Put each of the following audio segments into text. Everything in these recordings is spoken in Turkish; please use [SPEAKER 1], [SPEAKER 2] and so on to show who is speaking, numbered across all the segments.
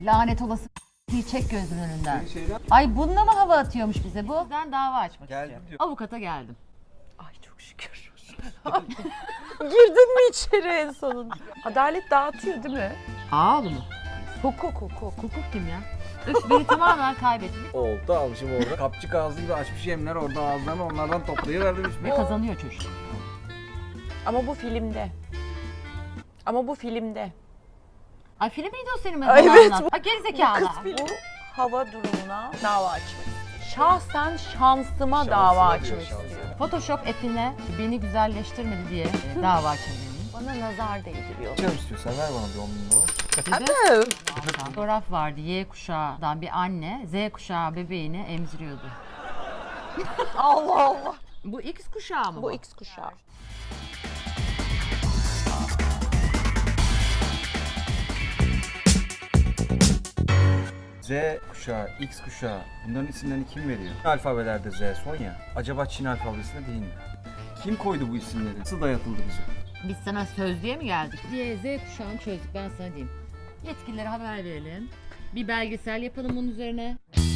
[SPEAKER 1] Lanet olası çek gözümün önünden. Ay bununla mı hava atıyormuş bize bu? Ben dava açmak istiyorum.
[SPEAKER 2] diyor.
[SPEAKER 1] Avukata geldim.
[SPEAKER 3] Ay çok şükür. Girdin mi içeri en sonunda? Adalet dağıtıyor değil mi?
[SPEAKER 1] Ağlı mı?
[SPEAKER 3] Hukuk.
[SPEAKER 1] Hukuk kim ya? Öf beni tamamen kaybettim.
[SPEAKER 2] Oldu almışım orada. Kapçık ağzı gibi açmış yemler orada ağızlarını onlardan toplayıverdim
[SPEAKER 1] Ve kazanıyor çocuk.
[SPEAKER 3] Ama bu filmde.
[SPEAKER 1] Ay film miydi o senin
[SPEAKER 3] Ay,
[SPEAKER 1] mesela
[SPEAKER 3] evet,
[SPEAKER 1] anlat. Ay gerizekalı.
[SPEAKER 3] Bu hava durumuna dava açmak. Şahsen şansıma dava açmak istiyorum.
[SPEAKER 1] Photoshop app'ine beni güzelleştirmedi diye dava açabilirim.
[SPEAKER 3] Bana nazar değdiriyor.
[SPEAKER 2] Canım istiyorsan ver bana bir 10.000 dolar.
[SPEAKER 1] Fotoğraf vardı Y kuşağından bir anne Z kuşağı bebeğini emziriyordu.
[SPEAKER 3] Allah Allah.
[SPEAKER 1] Bu X kuşağı mı
[SPEAKER 3] Bu X kuşağı.
[SPEAKER 2] Z kuşağı, X kuşağı bunların isimlerini kim veriyor? Alfabelerde Z son ya. Acaba Çin alfabesinde değil mi? Kim koydu bu isimleri? Nasıl dayatıldı bize?
[SPEAKER 1] Biz sana sözlüğe mi geldik? Diye Z kuşağını çözdük ben sana diyeyim. Yetkililere haber verelim. Bir belgesel yapalım bunun üzerine.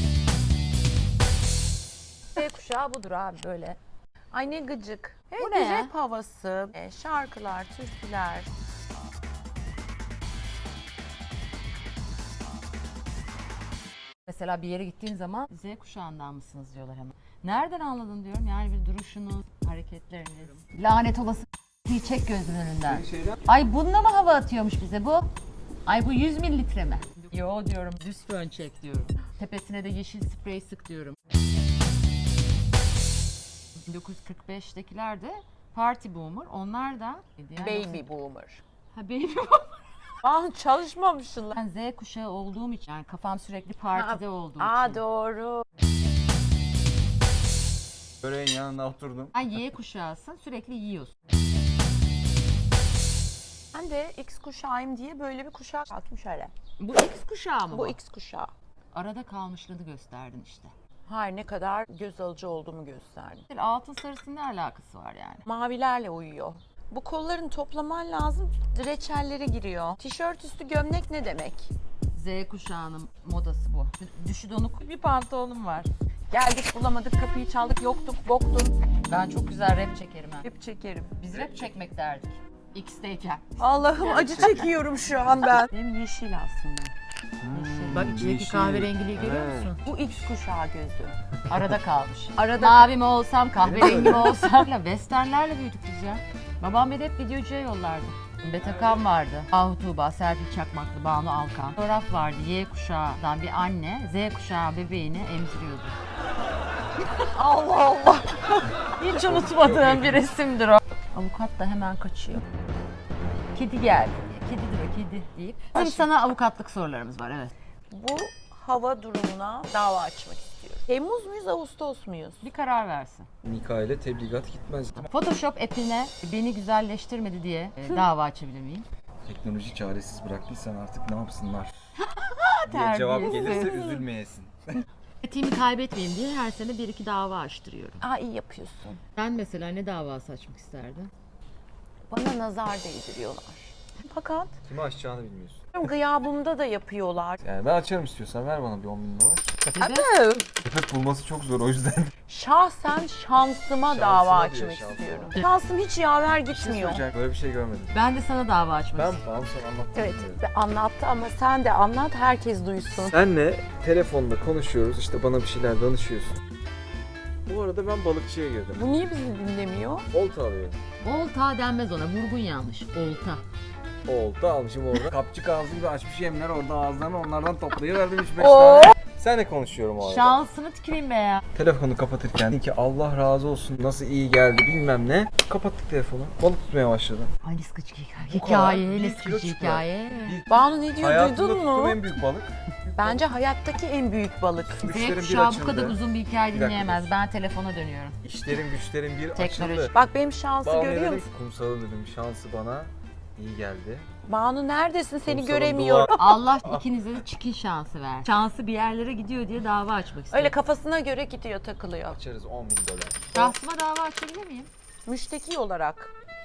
[SPEAKER 3] Z kuşağı budur abi böyle. Ay ne gıcık.
[SPEAKER 1] Bu ne ya?
[SPEAKER 3] Rap havası, şarkılar, türküler.
[SPEAKER 1] Mesela bir yere gittiğin zaman Z kuşağından mısınız diyorlar hemen. Nereden anladın diyorum yani bir duruşunuz, hareketleriniz. Lanet olası çek gözümün önünden. Ay bununla mı hava atıyormuş bize bu? Ay bu 100 mililitre mi? Yo diyorum düz fön çek diyorum. Tepesine de yeşil sprey sık diyorum. 1945'tekiler de party boomer. Onlar da
[SPEAKER 3] Baby boomer.
[SPEAKER 1] Ha baby boomer.
[SPEAKER 3] Ah çalışmamışsın lan.
[SPEAKER 1] Ben Z kuşağı olduğum için yani kafam sürekli partide olduğu
[SPEAKER 3] Aa
[SPEAKER 1] için.
[SPEAKER 3] doğru.
[SPEAKER 2] Böreğin yanına oturdum.
[SPEAKER 1] Sen Y kuşağısın sürekli yiyorsun.
[SPEAKER 3] Ben de X kuşağıyım diye böyle bir kuşak aldım şöyle.
[SPEAKER 1] Bu X kuşağı mı bu?
[SPEAKER 3] Bu X kuşağı.
[SPEAKER 1] Arada kalmışlığını gösterdin işte.
[SPEAKER 3] Hayır ne kadar göz alıcı olduğumu gösterdi.
[SPEAKER 1] Altın sarısının ne alakası var yani?
[SPEAKER 3] Mavilerle uyuyor. Bu kollarını toplaman lazım. Reçellere giriyor. Tişört üstü gömlek ne demek?
[SPEAKER 1] Z kuşağının modası bu. Düşü donuk bir pantolonum var.
[SPEAKER 3] Geldik bulamadık kapıyı çaldık yoktuk boktun.
[SPEAKER 1] Ben çok güzel rap çekerim ha.
[SPEAKER 3] Hep çekerim.
[SPEAKER 1] Biz rap çekmek derdik. X'teyken.
[SPEAKER 3] Allah'ım acı çekiyorum şu an ben. Benim yeşil aslında.
[SPEAKER 1] Bak içindeki
[SPEAKER 2] yeşil.
[SPEAKER 1] kahverengiliği görüyor
[SPEAKER 2] Evet.
[SPEAKER 1] musun?
[SPEAKER 3] Bu X kuşağı gözü.
[SPEAKER 1] Arada kalmış.
[SPEAKER 3] Arada
[SPEAKER 1] Mavi mi olsam, kahverengi mi olsam. Westernlerle büyüdük biz ya. Babam beni hep videocuya yollardı. Betekan vardı. Ahu Tuğba, Serpil Çakmaklı, Banu Alkan. Fotoğraf vardı. Y kuşağından bir anne Z kuşağı bebeğini emziriyordu.
[SPEAKER 3] Allah Allah.
[SPEAKER 1] Hiç unutmadığım bir resimdir o. Avukat da hemen kaçıyor. Kedi geldi. Kedidir o kedi deyip. Bizim sana avukatlık sorularımız var evet.
[SPEAKER 3] Bu hava durumuna dava açmak istiyorum. Temmuz muyuz, Ağustos muyuz?
[SPEAKER 1] Bir karar versin.
[SPEAKER 2] Nikah ile tebligat gitmez.
[SPEAKER 1] Photoshop app'ine beni güzelleştirmedi diye dava açabilir miyim?
[SPEAKER 2] Teknoloji çaresiz bıraktıysan artık ne yapsınlar? diye cevap gelirse üzülmeyesin.
[SPEAKER 1] Etiğimi kaybetmeyeyim diye her sene 1-2 dava açtırıyorum.
[SPEAKER 3] Aa iyi yapıyorsun.
[SPEAKER 1] Ben mesela ne davası açmak isterdim?
[SPEAKER 3] Bana nazar değdiriyorlar. Fakat
[SPEAKER 2] Kimi açacağını bilmiyorsun.
[SPEAKER 3] gıyabımda da yapıyorlar.
[SPEAKER 2] Yani ben açarım istiyorsan ver bana bir 10.000 dolar. Köpek bulması çok zor o yüzden.
[SPEAKER 3] Şahsen şansıma dava
[SPEAKER 2] Şansıma
[SPEAKER 3] açmak
[SPEAKER 2] diyor, şansıma.
[SPEAKER 3] istiyorum. Şansım hiç yaver gitmiyor.
[SPEAKER 2] Böyle bir şey görmedim.
[SPEAKER 1] Ben de sana dava açmak
[SPEAKER 2] Ben
[SPEAKER 1] istiyorum.
[SPEAKER 2] bana sana anlattım.
[SPEAKER 3] Evet anlattı ama sen de anlat herkes duysun.
[SPEAKER 2] Senle telefonda konuşuyoruz işte bana bir şeyler danışıyorsun. Bu arada ben balıkçıya girdim.
[SPEAKER 3] Bu niye bizi dinlemiyor?
[SPEAKER 2] Olta alıyorum.
[SPEAKER 1] Olta denmez ona. Vurgun yanlış. Olta.
[SPEAKER 2] Olta almışım orada. Kapçık ağzı gibi açmış yemler orada ağızlarını onlardan toplayıverdim 3-5
[SPEAKER 3] Oo.
[SPEAKER 2] tane. Senle konuşuyorum o arada.
[SPEAKER 1] Şansını tüküreyim be ya.
[SPEAKER 2] Telefonu kapatırken dedi ki Allah razı olsun nasıl iyi geldi bilmem ne. Kapattık telefonu. Balık tutmaya başladım.
[SPEAKER 1] Ay ne sıkıcı
[SPEAKER 2] Bu kadar.
[SPEAKER 1] hikaye. Ne
[SPEAKER 2] 1
[SPEAKER 1] sıkıcı
[SPEAKER 2] kilo çıktı.
[SPEAKER 1] hikaye.
[SPEAKER 3] Banu ne diyor
[SPEAKER 2] Hayatımda
[SPEAKER 3] duydun
[SPEAKER 2] tuttuğum
[SPEAKER 3] mu?
[SPEAKER 2] en büyük balık.
[SPEAKER 3] Bence hayattaki en büyük balık.
[SPEAKER 1] Z
[SPEAKER 2] Güçlerim bir
[SPEAKER 1] kuşağı bu
[SPEAKER 2] açıldı.
[SPEAKER 1] kadar uzun bir hikaye
[SPEAKER 2] Bir dakika
[SPEAKER 1] dinleyemez. Ben telefona dönüyorum.
[SPEAKER 2] İşlerim güçlerim bir
[SPEAKER 1] Teknoloji.
[SPEAKER 2] açıldı.
[SPEAKER 3] Bak benim şansı
[SPEAKER 2] Banu'ya
[SPEAKER 3] görüyor
[SPEAKER 2] dedim
[SPEAKER 3] musun?
[SPEAKER 2] ki, kumsalı dedim şansı bana iyi geldi.
[SPEAKER 3] Banu neredesin seni
[SPEAKER 2] Kumsalın
[SPEAKER 3] göremiyorum.
[SPEAKER 1] Allah ikinize de çikin şansı ver. Şansı bir yerlere gidiyor diye dava açmak istiyorum.
[SPEAKER 3] Öyle kafasına göre gidiyor takılıyor.
[SPEAKER 2] Açarız 10.000 dolar.
[SPEAKER 1] Şahsıma dava açabilir miyim?
[SPEAKER 3] Müşteki olarak.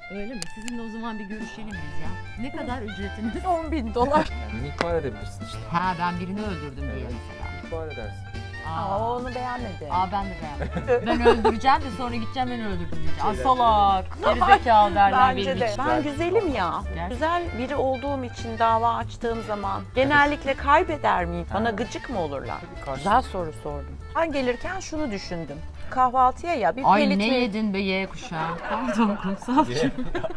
[SPEAKER 1] Öyle mi? Sizinle o zaman bir görüşelim biz ya. Ne kadar ücretiniz?
[SPEAKER 3] $10.000.
[SPEAKER 2] Yani ihbar edebilirsin işte.
[SPEAKER 1] Ha ben birini öldürdüm diye
[SPEAKER 2] Evet.
[SPEAKER 1] mesela.
[SPEAKER 2] İhbar edersin.
[SPEAKER 3] Aa, onu beğenmedi.
[SPEAKER 1] Ben de beğenmedim. Ben öldüreceğim de sonra gideceğim ben öldürdüm diyeceğim. Aa salak, gerizekalı derler
[SPEAKER 3] Bence
[SPEAKER 1] benim
[SPEAKER 3] de.
[SPEAKER 1] için.
[SPEAKER 3] Ben güzelim ya.
[SPEAKER 1] Gerçekten.
[SPEAKER 3] Güzel biri olduğum için dava açtığım zaman genellikle kaybeder miyim? Bana gıcık mı olurlar?
[SPEAKER 2] Karşı-
[SPEAKER 3] Güzel soru sordum. Ben gelirken şunu düşündüm. Kahvaltıya ya bir
[SPEAKER 1] Ay
[SPEAKER 3] pelit
[SPEAKER 1] ne
[SPEAKER 3] mi-
[SPEAKER 1] yedin be Y kuşağı. Pardon kumsalcığım.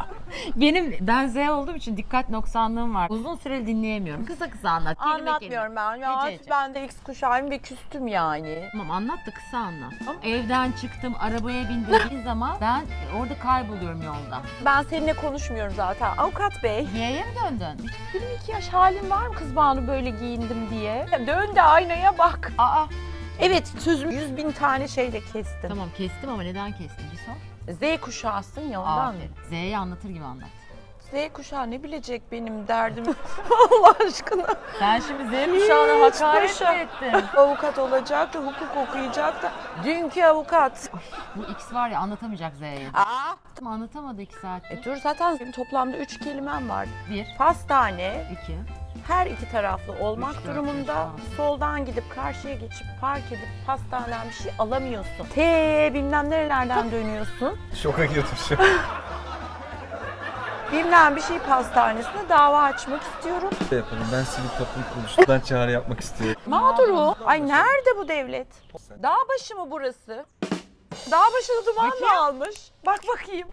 [SPEAKER 1] Ben Z olduğum için dikkat noksanlığım var. Uzun süreli dinleyemiyorum. Kısa kısa anlat. kelime kelime.
[SPEAKER 3] Anlatmıyorum ben. Ya
[SPEAKER 1] Ece, Ece.
[SPEAKER 3] ben de X kuşağıyım ve küstüm yani.
[SPEAKER 1] Tamam anlat da kısa anlat. Evden çıktım, arabaya bindiğim zaman ben orada kayboluyorum yolda.
[SPEAKER 3] Ben seninle konuşmuyorum zaten. Avukat bey.
[SPEAKER 1] Y'ye mi döndün?
[SPEAKER 3] 22 yaş halim var mı kız Banu böyle giyindim diye? Dön de aynaya bak.
[SPEAKER 1] Aa
[SPEAKER 3] Evet sözümü 100.000 tane şeyle kestim.
[SPEAKER 1] tamam kestim ama neden kestim bir sor.
[SPEAKER 3] Z kuşağısın ya ondan.
[SPEAKER 1] Aferin. Z'yi anlatır gibi anlat.
[SPEAKER 3] Z kuşağı ne bilecek benim derdim Allah aşkına.
[SPEAKER 1] Sen şimdi Z
[SPEAKER 3] kuşağına hakaret mi
[SPEAKER 1] ettin?
[SPEAKER 3] Avukat olacak da hukuk okuyacak da. Dünkü avukat.
[SPEAKER 1] Bu X var ya anlatamayacak Z'yi.
[SPEAKER 3] Aa.
[SPEAKER 1] Tamam anlatamadı 2 saat.
[SPEAKER 3] Dur zaten benim toplamda 3 kelimem var.
[SPEAKER 1] 1,
[SPEAKER 3] Pastane,
[SPEAKER 1] 2,
[SPEAKER 3] her iki taraflı olmak
[SPEAKER 1] Üç, dört,
[SPEAKER 3] durumunda
[SPEAKER 1] beş, altı.
[SPEAKER 3] soldan gidip karşıya geçip park edip pastaneden bir şey alamıyorsun. T bilmem nerelerden dönüyorsun.
[SPEAKER 2] Şoka girdim şu an.
[SPEAKER 3] Bilmem bir şey pastanesine dava açmak istiyorum.
[SPEAKER 2] Ne yapalım? Ben sivil toplum kuruluşundan çağrı yapmak istiyorum.
[SPEAKER 3] Mağduru. Ay nerede bu devlet? Dağbaşı mı burası? Dağbaşı'nı duman mı almış? Bak bakayım.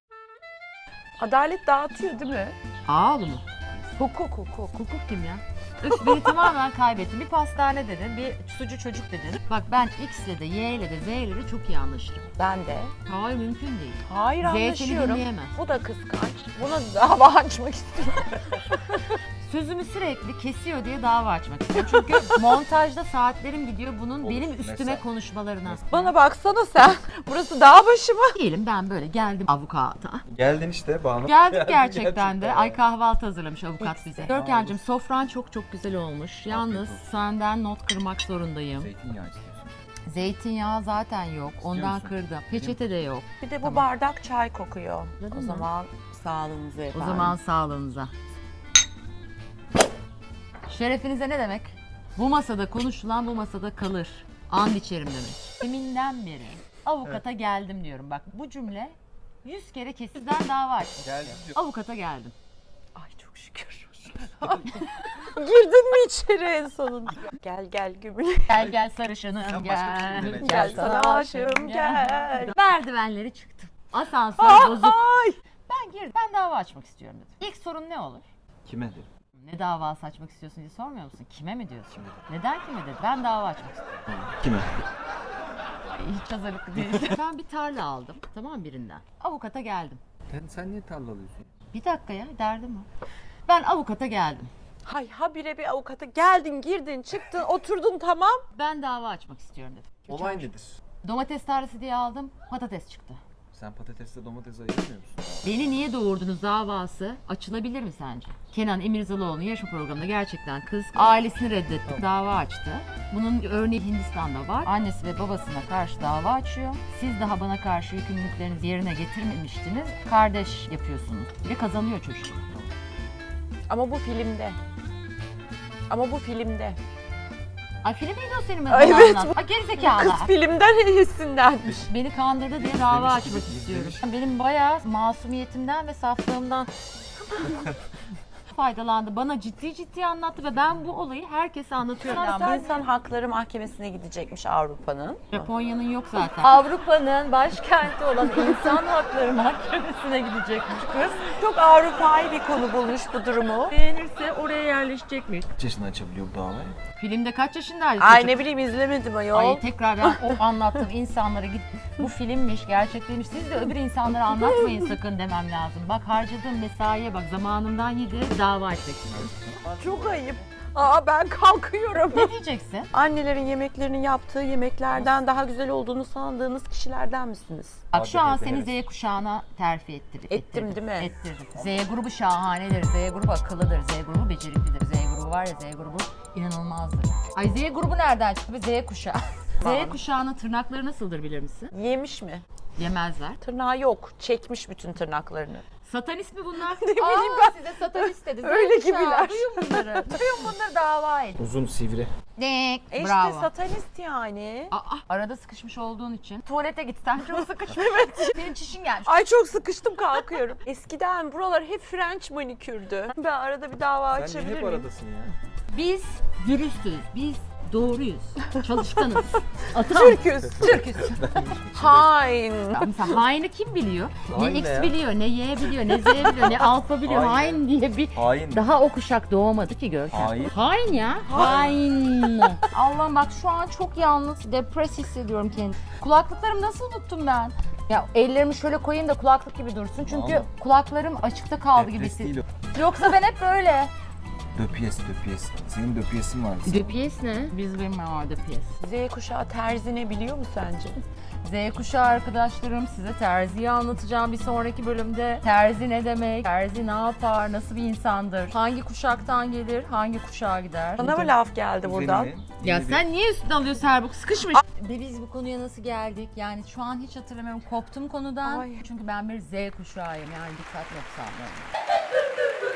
[SPEAKER 3] Adalet dağıtıyor değil mi?
[SPEAKER 1] Ağlı mı?
[SPEAKER 3] Hukuk hukuk.
[SPEAKER 1] Hukuk kim ya? Üf, beni tamamen kaybettim. Bir pastane dedin, bir sucu çocuk dedin. Bak ben X ile de Y ile de Z ile de çok iyi anlaşırım.
[SPEAKER 3] Ben de.
[SPEAKER 1] Hayır mümkün değil.
[SPEAKER 3] Hayır
[SPEAKER 1] Z seni
[SPEAKER 3] anlaşıyorum.
[SPEAKER 1] dinleyemez.
[SPEAKER 3] Bu da kıskanç. Buna dava açmak istiyorum.
[SPEAKER 1] Sözümü sürekli kesiyor diye dava açmak istiyorum. Çünkü montajda saatlerim gidiyor bunun
[SPEAKER 2] Olur,
[SPEAKER 1] benim üstüme
[SPEAKER 2] mesela.
[SPEAKER 1] konuşmalarına.
[SPEAKER 3] Bana baksana sen. Burası dağbaşı mı?
[SPEAKER 1] Diyelim ben böyle geldim avukata.
[SPEAKER 2] Geldin işte Banu.
[SPEAKER 1] Geldik
[SPEAKER 2] Geldin
[SPEAKER 1] gerçekten de. Ay kahvaltı hazırlamış avukat bize. Görkemciğim sofran çok çok güzel olmuş. Yalnız
[SPEAKER 2] olsun.
[SPEAKER 1] senden not kırmak zorundayım.
[SPEAKER 2] Zeytinyağı istiyorsun.
[SPEAKER 1] Zeytinyağı zaten yok. Ondan
[SPEAKER 2] musun?
[SPEAKER 1] kırdım. Peçete de yok.
[SPEAKER 3] Bir de bu
[SPEAKER 1] Tamam.
[SPEAKER 3] bardak çay kokuyor.
[SPEAKER 1] Anladın
[SPEAKER 3] O
[SPEAKER 1] mı?
[SPEAKER 3] zaman sağlığınıza
[SPEAKER 1] O
[SPEAKER 3] efendim.
[SPEAKER 1] zaman sağlığınıza. Şerefinize ne demek? Bu masada konuşulan bu masada kalır. And içerim demek. Deminden beri avukata geldim diyorum. Bak bu cümle 100 kere kesizden dava açtım.
[SPEAKER 2] Geldim diyor.
[SPEAKER 1] Avukata geldim.
[SPEAKER 3] Ay çok şükür. Girdin mi içeri en sonunda? Gel gel gümüş.
[SPEAKER 1] Gel gel sarışınım
[SPEAKER 2] Sen başka bir şey
[SPEAKER 1] gel.
[SPEAKER 2] demeye
[SPEAKER 3] Gel sana aşığım gel.
[SPEAKER 1] Merdivenleri çıktım. Asansör bozuk.
[SPEAKER 3] Ay.
[SPEAKER 1] Ben girdim. Ben dava açmak istiyorum dedim. İlk sorun ne olur?
[SPEAKER 2] Kime dedim?
[SPEAKER 1] Ne davası açmak istiyorsun diye sormuyor musun? Kime mi diyorsun? Neden kime dedi? Ben dava açmak istiyorum.
[SPEAKER 2] Kime?
[SPEAKER 1] Hiç hazırlıklı değil. Ben bir tarla aldım. Tamam birinden. Avukata geldim.
[SPEAKER 2] Sen niye tarla alıyorsun?
[SPEAKER 1] Bir dakika ya derdim o. Ben avukata geldim.
[SPEAKER 3] Hay habire bir avukata geldin girdin çıktın oturdun tamam.
[SPEAKER 1] Ben dava açmak istiyorum dedim.
[SPEAKER 2] Olay nedir?
[SPEAKER 1] Domates tarlası diye aldım. Patates çıktı.
[SPEAKER 2] Sen patatesle domates ayırmıyor musun?
[SPEAKER 1] Beni niye doğurdunuz davası açılabilir mi sence? Kenan İmirzalıoğlu'nun yarışma programında gerçekten kız ailesini reddetti. Dava açtı. Bunun örneği Hindistan'da var. Annesi ve babasına karşı dava açıyor. Siz daha bana karşı yükümlülüklerinizi yerine getirmemiştiniz. Kardeş yapıyorsunuz. Ve kazanıyor çocuk.
[SPEAKER 3] Ama bu filmde. Ama bu filmde.
[SPEAKER 1] Ay film miydi o senin
[SPEAKER 3] Ay,
[SPEAKER 1] bana
[SPEAKER 3] evet.
[SPEAKER 1] anlat. Ay gerizekalı.
[SPEAKER 3] Kız filmden hissindenmiş.
[SPEAKER 1] Beni kandırdı diye dava
[SPEAKER 2] İzlemiş gibi,
[SPEAKER 1] açmak istiyorum.
[SPEAKER 2] izlemiş.
[SPEAKER 1] Benim bayağı masumiyetimden ve saflığımdan faydalandı. Bana ciddi ciddi anlattı ve ben bu olayı herkese anlatıyorum.
[SPEAKER 3] Yani İnsan Hakları Mahkemesi'ne gidecekmiş Avrupa'nın.
[SPEAKER 1] Japonya'nın yok zaten. Avrupa'nın başkenti olan İnsan Hakları Mahkemesi'ne gidecekmiş kız.
[SPEAKER 3] Çok Avrupa'yı bir konu bulmuş bu durumu.
[SPEAKER 1] Beğenirse oraya yerleşecekmiş.
[SPEAKER 2] Kaç yaşında açabiliyor bu davayı?
[SPEAKER 1] Filmde kaç yaşındaydı
[SPEAKER 3] Ay
[SPEAKER 1] çocuk?
[SPEAKER 3] ne bileyim izlemedim ayol.
[SPEAKER 1] Ay tekrar ben o anlattığım insanlara git. Bu filmmiş, gerçekliymiş. Siz de öbür insanlara anlatmayın sakın demem lazım. Bak harcadığım mesaiye bak, zamanımdan yedi dava etmek istiyorum.
[SPEAKER 3] Çok ayıp. Aa ben kalkıyorum.
[SPEAKER 1] Ne diyeceksin?
[SPEAKER 3] Annelerin yemeklerinin yaptığı yemeklerden daha güzel olduğunu sandığınız kişilerden misiniz?
[SPEAKER 1] Bak şu an
[SPEAKER 2] Hadi
[SPEAKER 1] seni
[SPEAKER 2] evet.
[SPEAKER 1] Z kuşağına terfi ettirdim.
[SPEAKER 3] Ettim değil mi?
[SPEAKER 1] Ettirdim. Z grubu şahanedir, Z grubu akıllıdır, Z grubu beceriklidir, Z grubu var ya Z grubu inanılmazdır. Ay Z grubu nereden çıktı be Z kuşağı? Z kuşağının tırnakları nasıldır bilir misin?
[SPEAKER 3] Yemiş mi?
[SPEAKER 1] Yemezler.
[SPEAKER 3] Tırnağı yok. Çekmiş bütün tırnaklarını.
[SPEAKER 1] Satanist mi bunlar?
[SPEAKER 3] Ne bileyim ben.
[SPEAKER 1] Size satanist dedi.
[SPEAKER 3] Öyle
[SPEAKER 1] Z kuşağı,
[SPEAKER 3] gibiler.
[SPEAKER 1] Duyun bunları. Duyun bunları dava edin.
[SPEAKER 2] Uzun sivri.
[SPEAKER 3] İşte
[SPEAKER 1] Bravo.
[SPEAKER 3] satanist yani.
[SPEAKER 1] Arada sıkışmış olduğun için tuvalete gitsen çok sıkışmış. Senin çişin gelmiş.
[SPEAKER 3] Ay çok sıkıştım kalkıyorum. Eskiden buralar hep French manikürdü. Ben arada bir dava
[SPEAKER 2] Sen
[SPEAKER 3] açabilir
[SPEAKER 2] de hep
[SPEAKER 3] miyim?
[SPEAKER 2] aradasın ya.
[SPEAKER 1] Biz dürüstüz. Biz doğruyuz. Çalışkanız. Atam.
[SPEAKER 3] Türküz.
[SPEAKER 1] Türküz.
[SPEAKER 3] Hain.
[SPEAKER 1] Mesela haini kim biliyor?
[SPEAKER 2] Hain
[SPEAKER 1] Ne
[SPEAKER 2] ne
[SPEAKER 1] X
[SPEAKER 2] ya?
[SPEAKER 1] biliyor, ne Y biliyor, ne Z biliyor, ne alfa biliyor.
[SPEAKER 2] Hain
[SPEAKER 1] Hain diye bir...
[SPEAKER 2] Hain.
[SPEAKER 1] Daha o kuşak doğmadı ki Görkem.
[SPEAKER 2] Hain.
[SPEAKER 1] Hain ya. Hain. Allah'ım bak şu an çok yalnız, depres hissediyorum kendimi. Kulaklıklarımı nasıl unuttum ben? Ya ellerimi şöyle koyayım da kulaklık gibi dursun. Çünkü
[SPEAKER 2] Ama-
[SPEAKER 1] kulaklarım açıkta kaldı gibi
[SPEAKER 2] Depres değil
[SPEAKER 1] hissediyorum.
[SPEAKER 2] o.
[SPEAKER 1] Yoksa ben hep böyle.
[SPEAKER 2] Döpiyes. Senin döpiyesin var.
[SPEAKER 1] Döpiyes ne? Biz bilmiyorum o döpiyes.
[SPEAKER 3] Z kuşağı terzi ne biliyor mu sence?
[SPEAKER 1] Z kuşağı arkadaşlarım, size terziyi anlatacağım bir sonraki bölümde. Terzi ne demek? Terzi ne yapar? Nasıl bir insandır? Hangi kuşaktan gelir? Hangi kuşağa gider?
[SPEAKER 3] Bana mı laf geldi buradan?
[SPEAKER 1] Ya sen niye üstüne alıyorsun Serbuk? Sıkışmış. Ve biz bu konuya nasıl geldik? Yani şu an hiç hatırlamıyorum. Koptum konudan.
[SPEAKER 3] Ay.
[SPEAKER 1] Çünkü ben bir Z kuşağıyım. Yani dikkat noksanlıyım.